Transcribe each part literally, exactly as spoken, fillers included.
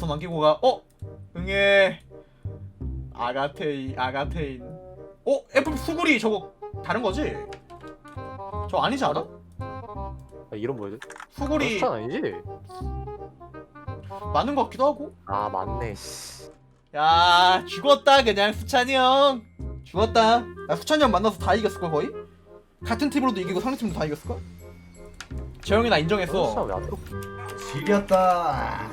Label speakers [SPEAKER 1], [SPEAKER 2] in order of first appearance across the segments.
[SPEAKER 1] 점수만 끼고 가. 어? 응애. 아가테인 아가테인. 어? 애플 수구리 저거 다른 거지? 저 아니지 않아?
[SPEAKER 2] 아, 이름 뭐야?
[SPEAKER 1] 수구리
[SPEAKER 2] 수찬 아니지?
[SPEAKER 1] 맞는 것 같기도 하고.
[SPEAKER 2] 아 맞네. 씨.
[SPEAKER 1] 야 죽었다 그냥 수찬이 형. 죽었다. 나 수찬이 형 만나서 다 이겼을걸 거의? 같은 팀으로도 이기고 상대 팀도 다 이겼을걸? 재영이 나
[SPEAKER 2] 수찬
[SPEAKER 1] 인정했어.
[SPEAKER 2] 왜안 들어?
[SPEAKER 3] 지렸다.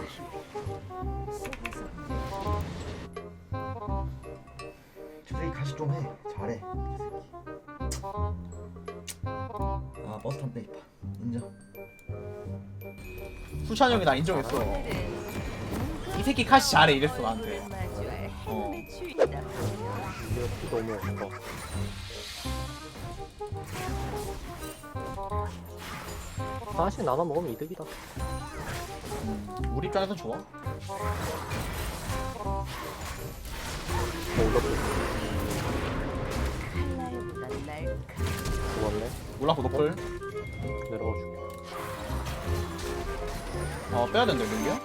[SPEAKER 3] 저 새끼 가시 좀 해. 잘해. 이 새끼. 아 버스 탄 빼이파. 인정.
[SPEAKER 1] 수찬이 형이 나 인정했어. 이 새끼 카시 잘해 이랬어 나한테. 어.
[SPEAKER 2] 이게 피 너무 없다. 하나씩 나눠 먹으면 이득이다.
[SPEAKER 1] 음, 우리 입장에선 좋아.
[SPEAKER 2] 어, 올라프 죽었네.
[SPEAKER 1] 올라프 노플.
[SPEAKER 2] 내려가 줄게.
[SPEAKER 1] 어 빼야 된다 민기야.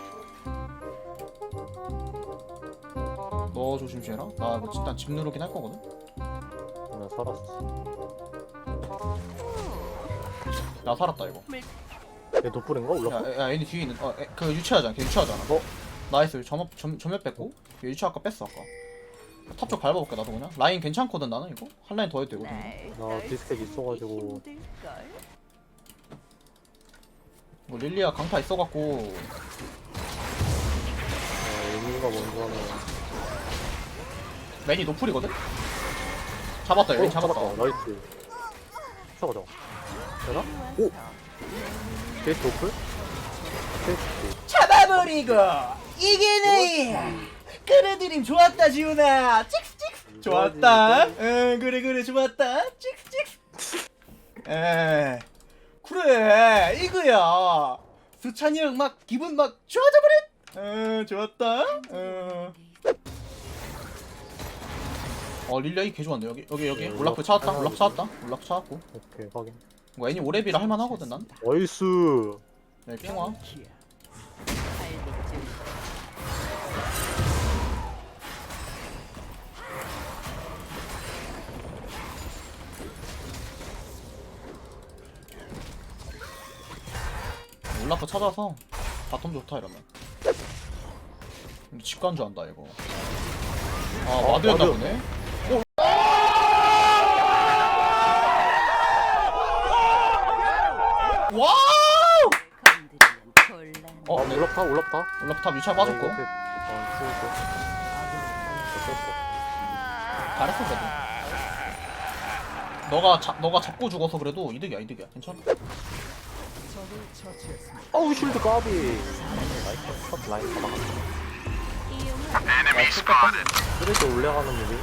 [SPEAKER 1] 너 조심해라. 나 이거 일단 집 누르긴 할 거거든.
[SPEAKER 2] 나 살았어.
[SPEAKER 1] 나 살았다 이거.
[SPEAKER 2] 얘 노플인가? 올라프?
[SPEAKER 1] 야, 야 얘네 뒤에 있는. 어, 에, 그 유치하잖아. 걔 유치하잖아.
[SPEAKER 2] 어?
[SPEAKER 1] 나이스. 점업 점 점멸 뺐고. 얘 유치 아까 뺐어 아까. 탑 쪽 밟아볼게 나도 그냥. 라인 괜찮거든 나는 이거. 한 라인 더 해도 되거든.
[SPEAKER 2] 나 디스켓 있어가지고.
[SPEAKER 1] 뭐 릴리아 강타 있어갖고.
[SPEAKER 2] 어, 의미가 뭔지 하면.
[SPEAKER 1] 맨이 노플이거든. 잡았다. 얘
[SPEAKER 2] 어,
[SPEAKER 1] 잡았다.
[SPEAKER 2] 나이스. 쳐가자. 되나? 오! 게이트 노플? 게이트.
[SPEAKER 1] 잡아버리고 이기네. 끌어들임 좋았다 지훈아. 찍스 찍스. 좋았다. 응 그래 그래 좋았다. 찍스 찍스. 에 그래 이거야. 수찬이 형 막 기분 막 좋아져버렸. 응 좋았다. 응. 어 릴리아 개 좋았네. 여기 여기 여기
[SPEAKER 2] 음,
[SPEAKER 1] 올라프 찾았다.
[SPEAKER 2] 하나,
[SPEAKER 1] 올라프 찾았다. 올라프 찾았고.
[SPEAKER 2] 오케이, 확인.
[SPEAKER 1] 뭐 애니 오레비라 할만하거든 난.
[SPEAKER 2] 나이스!
[SPEAKER 1] 네 핑화. 올라프 찾아서 바텀 좋다 이러면. 근데 집간 줄 안다 이거. 아
[SPEAKER 2] 어,
[SPEAKER 1] 와드였나
[SPEAKER 2] 와드.
[SPEAKER 1] 보네. 오! 와우!
[SPEAKER 2] 어,
[SPEAKER 1] 어,
[SPEAKER 2] 아,
[SPEAKER 1] 네.
[SPEAKER 2] 올라프다, 올라프다.
[SPEAKER 1] 올라프 탑 유찰 빠졌고.
[SPEAKER 2] 어, 죽었어.
[SPEAKER 1] 잘했어 그래도. 너가 잡 너가 잡고 죽어서 그래도 이득이야 이득이야 괜찮아.
[SPEAKER 2] 어우, 쉴드 까비. 나이스, 첫 라인 잡아갔어. 그래도 올라가는 무비.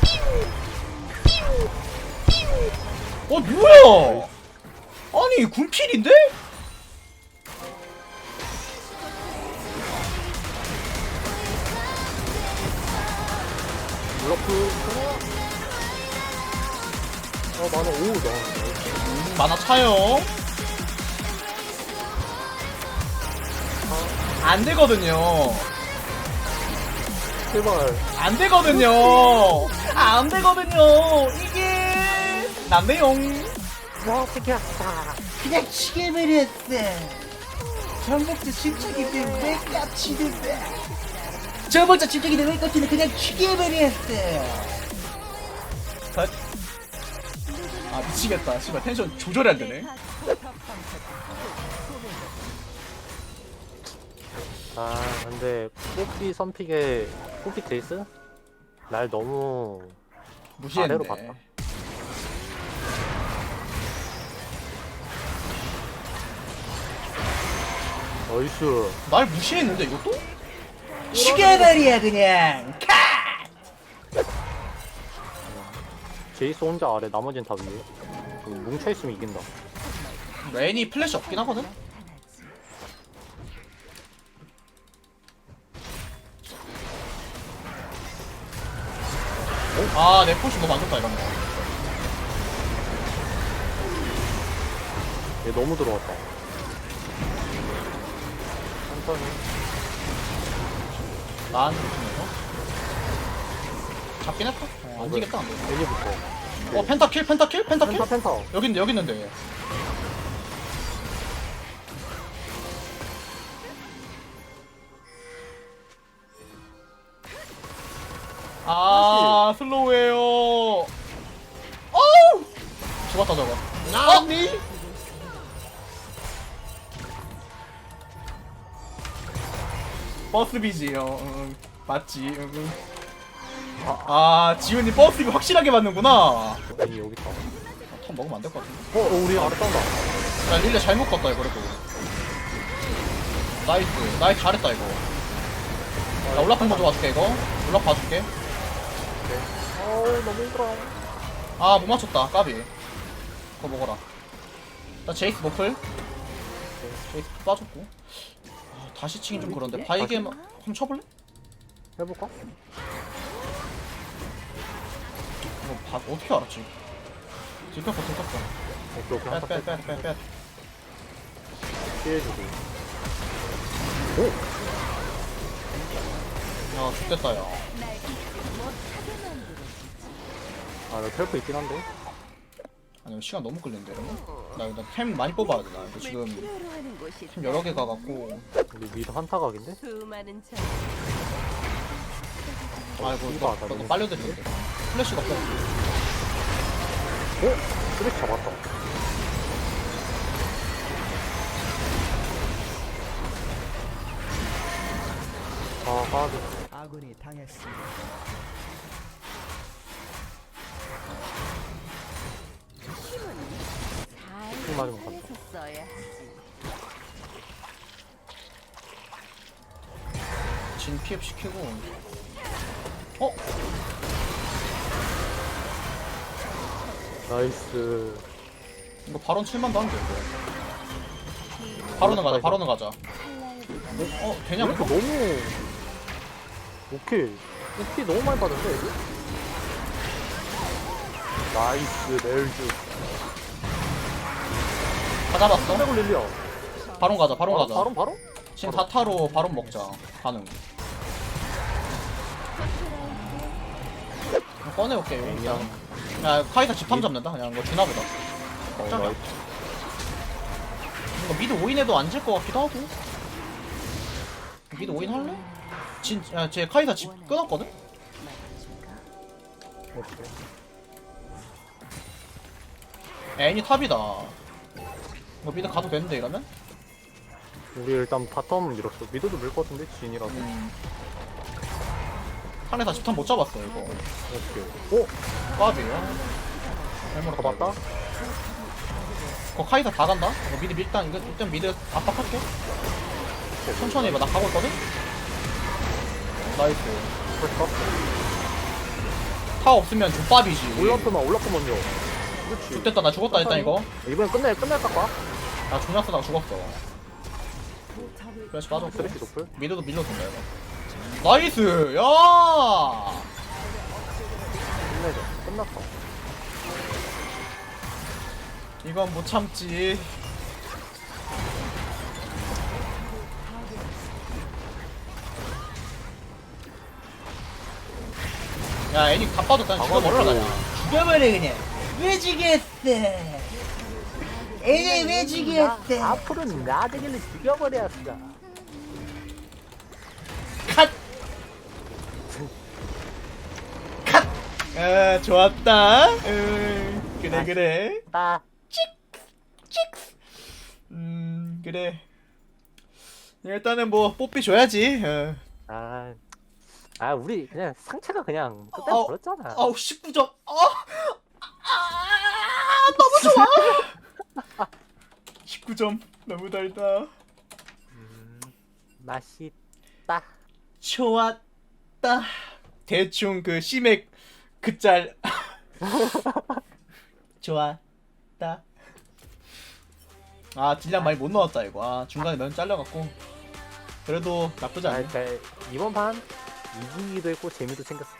[SPEAKER 1] 어 뭐야? 아니 군필인데?
[SPEAKER 2] 올라프. 어, 나는 오, 나.
[SPEAKER 1] 음, 만화 차요. 안 되거든요.
[SPEAKER 2] 제발.
[SPEAKER 1] 안 되거든요. 안 되거든요. 이게 남매용.
[SPEAKER 2] 와, 새끼였다.
[SPEAKER 1] 그냥 치게 버렸어. 전복자 침착이 때문에 왜 깝치는데? 전복자 침착이 때문에 왜 깝치는데 그냥 치게 버렸어. 컷. 아 미치겠다. 씨발 텐션 조절이 안 되네.
[SPEAKER 2] 아, 근데 뽀삐 선픽에 뽀삐 제이스? 날 너무
[SPEAKER 1] 무시했네.
[SPEAKER 2] 아래로 봤다. 나이스.
[SPEAKER 1] 날 무시했는데 이것도? 치게버리야 그냥. 카!
[SPEAKER 2] 제이스 혼자 아래, 나머진 다 위에. 이거 뭉쳐있으면 이긴다.
[SPEAKER 1] 레인이 플래시 없긴 하거든. 아, 내 포시 너무 안 좋다 이런 거.
[SPEAKER 2] 얘 너무 들어왔다. 천천히.
[SPEAKER 1] 나한테 붙이면서 잡긴 했다? 어, 안 지겠다 안 돼.
[SPEAKER 2] 애니부터.
[SPEAKER 1] 어 펜타킬 펜타킬 펜타킬?
[SPEAKER 2] 펜타 펜타.
[SPEAKER 1] 여기 있는데 여기 있는데 아 슬로우에요. 어우 죽었다 저거. 나니? 버스비지 어 응, 맞지 응, 응. 아 지훈이 버스비 확실하게 맞는구나.
[SPEAKER 2] 애니 여기 있다.
[SPEAKER 1] 턴 먹으면 안 될 것 같은데.
[SPEAKER 2] 어, 어 우리 알았단다.
[SPEAKER 1] 야 릴레 잘못 갔다 이거 그래도. 나이스 나이스 잘했다 이거. 나 올라프 먼저 봐줄게 이거. 올라프 봐줄게.
[SPEAKER 2] 어우 너무 힘들어.
[SPEAKER 1] 아 못 맞췄다 까비. 그거 먹어라. 나 제이스 노플. 제이스 빠졌고. 아, 다시 치긴 좀 그런데 바이게 한번 쳐볼래?
[SPEAKER 2] 해볼까?
[SPEAKER 1] 이거 바, 어떻게 알았지? 들켰어 들켰어.
[SPEAKER 2] 오케이 오케이 한타 빼.
[SPEAKER 1] 빼빼빼빼빼.
[SPEAKER 2] 피해주고.
[SPEAKER 1] 야 죽됐다 야.
[SPEAKER 2] 아나 텔프 있긴 한데.
[SPEAKER 1] 아니 이거 시간 너무 끌린데 이러면? 나 이거 템 많이 뽑아야 돼. 나 이거 지금 템 여러 개 가갖고.
[SPEAKER 2] 우리 미드 한타 각인데?
[SPEAKER 4] 수많은 참
[SPEAKER 1] 아이고
[SPEAKER 2] 이거
[SPEAKER 1] 이거
[SPEAKER 2] 하다,
[SPEAKER 1] 너
[SPEAKER 2] 너무.
[SPEAKER 1] 빨려들는데 플래시가 없어.
[SPEAKER 2] 어? 쓰레기 잡았다. 아 가드.
[SPEAKER 5] 아군이 당했습니다.
[SPEAKER 2] 술 맞으면 간다.
[SPEAKER 4] 살에서 써야 하지.
[SPEAKER 1] 진 피업 시키고. 어?
[SPEAKER 2] 나이스.
[SPEAKER 1] 이거 바론 칠만도 한데 이거. 바로는 가자 바로는 가자. 어 되냐
[SPEAKER 2] 이렇게
[SPEAKER 1] 이거?
[SPEAKER 2] 너무 오케이. 오케이 너무 많이 받은데 이거? 나이스 넬즈.
[SPEAKER 1] 다 잡았어?
[SPEAKER 2] 삼백을 릴리야.
[SPEAKER 1] 바론 가자 바론
[SPEAKER 2] 바로
[SPEAKER 1] 가자.
[SPEAKER 2] 바로 바로?
[SPEAKER 1] 지금 다타로 바론 먹자. 가능. 이거 꺼내올게 이거 일단. 야 카이사 집탐 잡는다 그냥 이거 주나보다.
[SPEAKER 2] 어,
[SPEAKER 1] 짱이야.
[SPEAKER 2] 나이스.
[SPEAKER 1] 이거 미드 오인해도 안 질 것 같기도 하고. 미드 오인 할래? 진, 야, 쟤 카이사 집 끊었거든?
[SPEAKER 2] 오케이.
[SPEAKER 1] 애니 탑이다. 뭐 미드 가도 되는데 이러면?
[SPEAKER 2] 우리 일단 바텀 밀었어. 미드도 밀 것 같은데 진이라서.
[SPEAKER 1] 음. 카이사 집탐 못 잡았어 이거.
[SPEAKER 2] 오케이. 오
[SPEAKER 1] 까비야. 잘못
[SPEAKER 2] 잡았다.
[SPEAKER 1] 거 카이사 다 간다? 이거 미드 밀단 이거 일단 미드 압박할게. 천천히 해봐 나 가고 있거든? 나이스.
[SPEAKER 2] 됐어.
[SPEAKER 1] 타 없으면 족밥이지.
[SPEAKER 2] 올라프만 올라프 먼저. 그렇지.
[SPEAKER 1] 죽됐다 나 죽었다 일단 이거.
[SPEAKER 2] 이번엔 끝내 끝낼까 봐.
[SPEAKER 1] 나 존나 쓰다가 죽었어. 플래시 빠졌고.
[SPEAKER 2] 쓰레기 높을.
[SPEAKER 1] 미드도 밀려준다 이거. 나이스! 야!
[SPEAKER 2] 끝내자. 끝났어.
[SPEAKER 1] 이건 못 참지. 야 애니 다 빠졌다. 죽여버려라 그냥.
[SPEAKER 5] 죽여버려 그냥. 왜 죽였어? 애들 왜 죽였어?
[SPEAKER 2] 앞으로는 나대기를 죽여버렸어.
[SPEAKER 1] 컷! 컷! 아 좋았다. 음, 그래 그래.
[SPEAKER 2] 나.
[SPEAKER 1] 음 그래. 일단은 뭐 뽀삐 줘야지. 어.
[SPEAKER 2] 아. 아 우리 그냥 상체가 그냥 그때
[SPEAKER 1] 아우,
[SPEAKER 2] 버렸잖아.
[SPEAKER 1] 아우 십구 점. 어. 아, 너무 좋아. 십구 점 너무 달다.
[SPEAKER 2] 음, 맛있다.
[SPEAKER 1] 좋았다. 대충 그 시맥 그 짤. 좋았다. 아 딜량 많이 못 넣었다 이거. 아 중간에 면 잘려갖고. 그래도 나쁘지
[SPEAKER 2] 아,
[SPEAKER 1] 않네.
[SPEAKER 2] 자, 이번 판 이기기도 했고 재미도 챙겼어.